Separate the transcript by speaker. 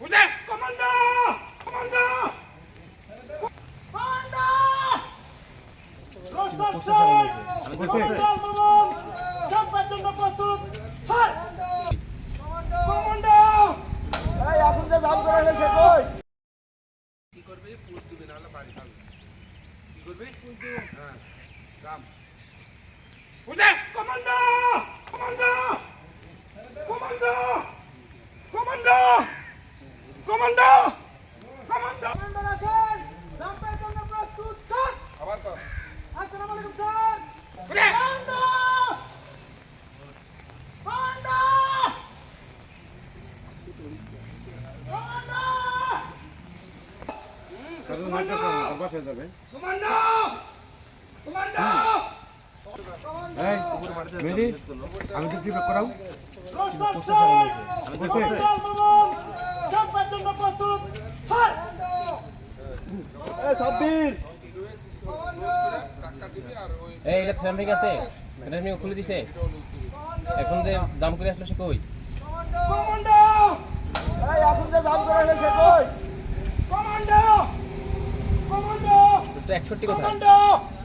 Speaker 1: বুঝে commando commando commando roster sir commando Mamun ক্যাম্পের জন্য প্রস্তুত স্যার কমান্ডো এই এখন যে জাম করে গেছে কই
Speaker 2: কি করবে পুশ দিবে না হলে বাড়ি খাবে কি করবে পুশ দিও হ্যাঁ জাম
Speaker 1: বুঝে commando commando commando commando commando commando commando আছেন জাম্পের জন্য প্রস্তুত স্যার
Speaker 2: আবার কর
Speaker 1: আসসালামু আলাইকুম স্যার কমান্ডো কমান্ডো কমান্ডো
Speaker 3: কারণ নাটক অভ্যাস হয়ে যাবে।
Speaker 1: কমান্ডো কমান্ডো
Speaker 3: এই মেহেদি আমি তো ফিডব্যাক করাও
Speaker 1: রোস্টার স্যার কমান্ডো মামুন ক্যাম্পের জন্য প্রস্তুত স্যার এই সাব্বির
Speaker 2: টাকা দিবে আর ওই
Speaker 4: এই এটা ফ্যামিলি আছে ফ্যামিলি খুলে দিছে এখন যে দাম করে আসলো সে কই
Speaker 1: কমান্ডো এই এখন যে জাম করে গেছে কই কমান্ডো কমান্ডো
Speaker 4: তো 61 কোথায়
Speaker 1: কমান্ডো